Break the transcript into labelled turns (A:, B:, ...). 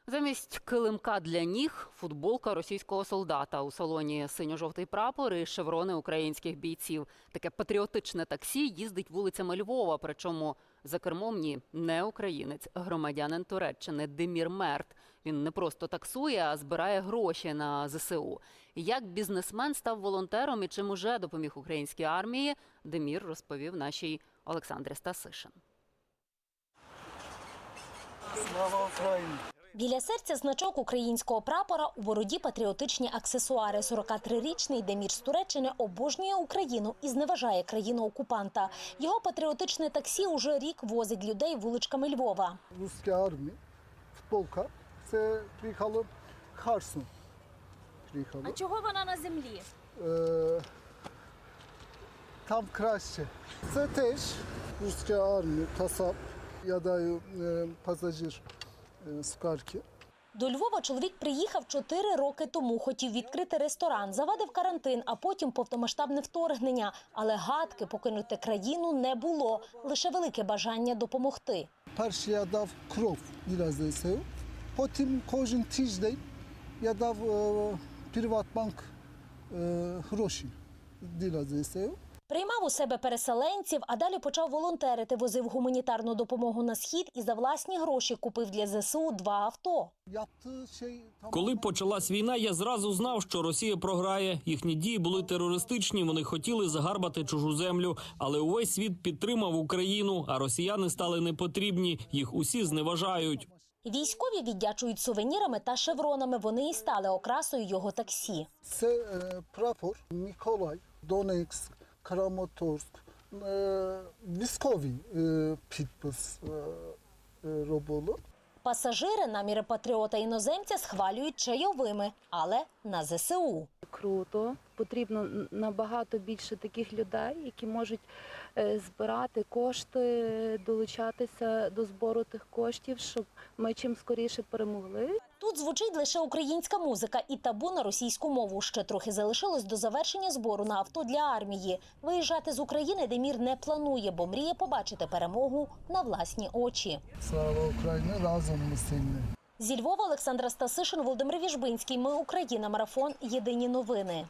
A: Замість килимка для ніг – футболка російського солдата. У салоні синьо-жовтий прапор і шеврони українських бійців. Таке патріотичне таксі їздить вулицями Львова, причому за кермом не українець, громадянин Туреччини Демір Мерт. Він не просто таксує, а збирає гроші на ЗСУ. Як бізнесмен став волонтером і чим уже допоміг українській армії, Демір розповів нашій Олександрі Стасишин.
B: Слава Україні!
C: Біля серця значок українського прапора, у бороді патріотичні аксесуари. 43-річний Демір з Туреччини обожнює Україну і зневажає країну-окупанта. Його патріотичне таксі уже рік возить людей вуличками Львова.
B: Російська армія, футболка, це приїхало Харсон.
D: А чого вона на землі?
B: Там краще. Це теж російська армія, касап, я даю пасажир скарки.
C: До Львова чоловік приїхав 4 роки тому. Хотів відкрити ресторан, завадив карантин, а потім повномасштабне вторгнення. Але гадки покинути країну не було, лише велике бажання допомогти.
B: Перше я дав кров для ЗСУ, потім кожен тиждень я дав Приватбанк гроші для ЗСУ.
C: Приймав у себе переселенців, а далі почав волонтерити. Возив гуманітарну допомогу на Схід і за власні гроші купив для ЗСУ 2 авто.
E: Коли почалась війна, я зразу знав, що Росія програє. Їхні дії були терористичні, вони хотіли загарбати чужу землю. Але увесь світ підтримав Україну, а росіяни стали непотрібні, їх усі зневажають.
C: Військові віддячують сувенірами та шевронами. Вони і стали окрасою його таксі.
B: Це прапор Миколай, Донецьк, Краматорськ. Військовий підпис робили.
C: Пасажири наміри патріота-іноземця схвалюють чайовими, але на ЗСУ.
D: Круто. Потрібно набагато більше таких людей, які можуть збирати кошти, долучатися до збору тих коштів, щоб ми чим скоріше перемогли.
C: Тут звучить лише українська музика і табу на російську мову. Ще трохи залишилось до завершення збору на авто для армії. Виїжджати з України Демір не планує, бо мріє побачити перемогу на власні очі.
B: Слава Україні, разом ми сильні.
C: Зі Львова Олександра Стасишин, Володимир Віжбинський. Ми Україна. Марафон. Єдині новини.